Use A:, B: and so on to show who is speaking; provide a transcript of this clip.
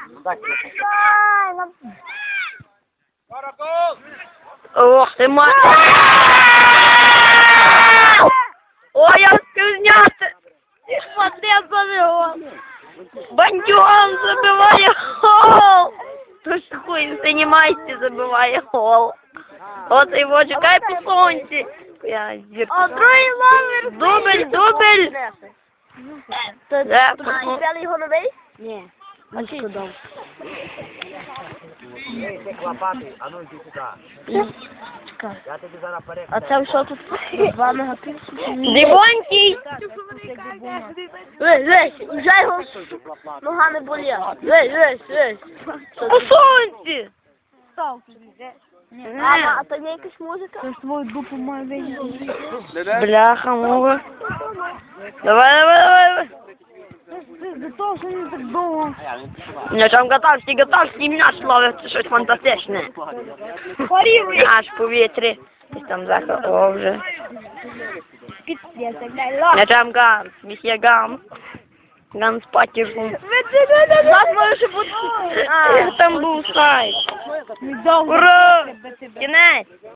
A: Ох ти ма... Ой, я успів зняти! Смотри, забивав! Бандюган забиває гол! Тож хуй, займайся, забиває гол! От його чекай по сонці! Я зірку.
B: А другий номер.
A: Дубль!
B: Взяли його новий?
C: Ні, не шкодав.
D: А ну йди сюди. Я тобі зараз перекладу.
C: А це що тут? 2 мегапікселі?
A: Дивонький!
B: Весь, вже його нога не боліла. Весь.
A: По сонці!
B: А то є якась музика?
C: Це ж твою дупу має вийти.
A: Бляха, мова. Давай.
C: До того, що не так довго.
A: Я там готовься, і м'яч ловить, це щось фантастичне. Аж в повітрі. Десь там заход, о, вже. Я там ганс, місія ганс. Ганс патіжун.
B: Нас може бути.
A: Там був сайт. Ура! Кінець!